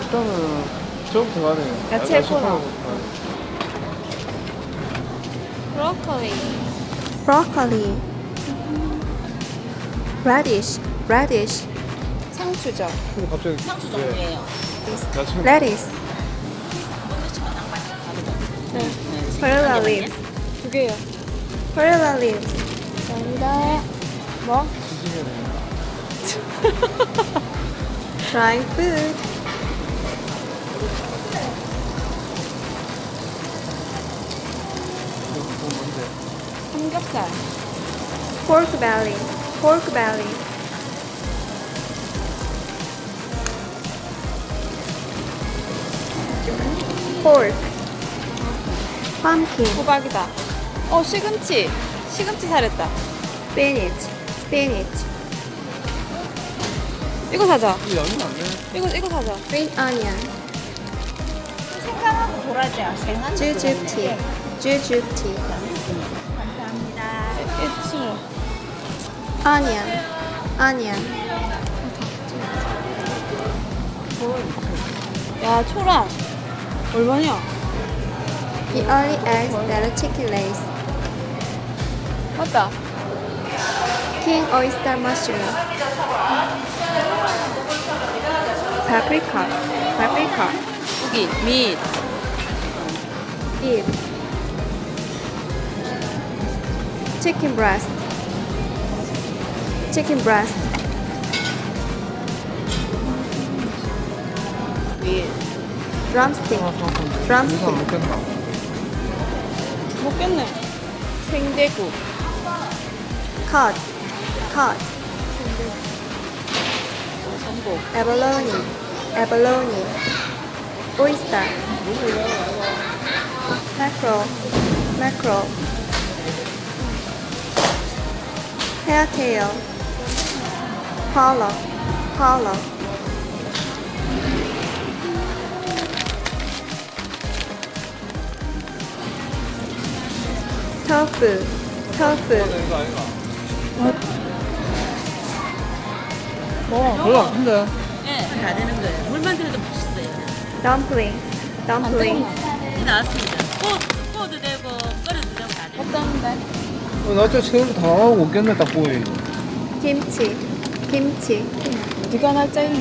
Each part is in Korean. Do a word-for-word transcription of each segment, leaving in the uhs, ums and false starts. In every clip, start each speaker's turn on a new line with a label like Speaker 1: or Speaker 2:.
Speaker 1: 일단은 저부터 가야 돼.
Speaker 2: 야채 코너.
Speaker 3: 브로콜리.
Speaker 2: broccoli, radish, radish,
Speaker 3: 상추죠.
Speaker 1: 근데 갑자기
Speaker 4: 상추
Speaker 1: 왜?
Speaker 4: 종류예요.
Speaker 1: 야채
Speaker 2: lettuce,
Speaker 3: 네.
Speaker 2: perilla leaves,
Speaker 3: 두 개요.
Speaker 2: perilla leaves,
Speaker 3: 감사합니다. 뭐?
Speaker 1: 지지면
Speaker 2: dry food,
Speaker 1: 그거 뭔데?
Speaker 3: 삼겹살.
Speaker 2: pork belly, pork belly, pork, pumpkin,
Speaker 3: 호박이다. 어, 시금치. 시금치 사랬다.
Speaker 2: spinach, spinach,
Speaker 3: 이거 사자.
Speaker 1: 이 양이 안 돼.
Speaker 3: 이거 이거 사자.
Speaker 2: green onion,
Speaker 4: 생강하고 도라지야. 생강.
Speaker 2: jujube tea, jujube tea,
Speaker 4: 감사합니다.
Speaker 3: 이 친구.
Speaker 2: onion, onion,
Speaker 3: 야, 초랑. 얼마냐?
Speaker 2: the early eggs that a chicken lays,
Speaker 3: 맞다.
Speaker 2: king oyster mushroom, paprika, paprika,
Speaker 3: 고기, 밋.
Speaker 2: beef, chicken breast, chicken breast,
Speaker 3: 밋.
Speaker 2: drumstick,
Speaker 1: 하나 사왔는데.
Speaker 2: 드럼스틱.
Speaker 1: 여기서 안 먹겠나?
Speaker 3: 먹겠네. 생대구.
Speaker 2: cod, cod,
Speaker 3: 전복.
Speaker 2: abalone, abalone, oyster, mackerel, mackerel, hairtail, pollock, pollock, tofu, tofu,
Speaker 1: 이거 아닌가?
Speaker 3: 뭐?
Speaker 1: 별로 안 큰데?
Speaker 4: 예, 다 되는 거예요. 물만 들어도 맛있어요.
Speaker 2: dumpling, dumpling,
Speaker 4: 이 나왔습니다. 구워, 구워도 되고, 끓여도 되고 다 돼요.
Speaker 3: 어떤데?
Speaker 1: 어, 나 진짜 체험 다 하고 오겠네, 딱 보이.
Speaker 2: kimchi, kimchi,
Speaker 3: 네가 날짜 있나?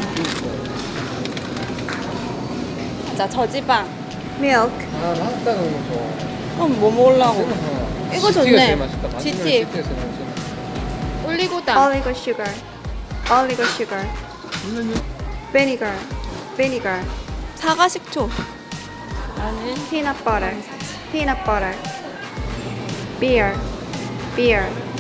Speaker 3: 자, 저지방.
Speaker 2: milk,
Speaker 1: 아, 나왔다는 거죠.
Speaker 3: 그럼 뭐 먹으려고? 이거 좋네.
Speaker 1: 지티가 제일 맛있다. 마지막에
Speaker 3: 지티.
Speaker 1: 지티가 제일 맛있다.
Speaker 3: 올리고당.
Speaker 2: oligo sugar, oligo sugar, vinegar, vinegar,
Speaker 3: 사과 식초. 나는
Speaker 2: peanut butter, peanut butter, beer, beer,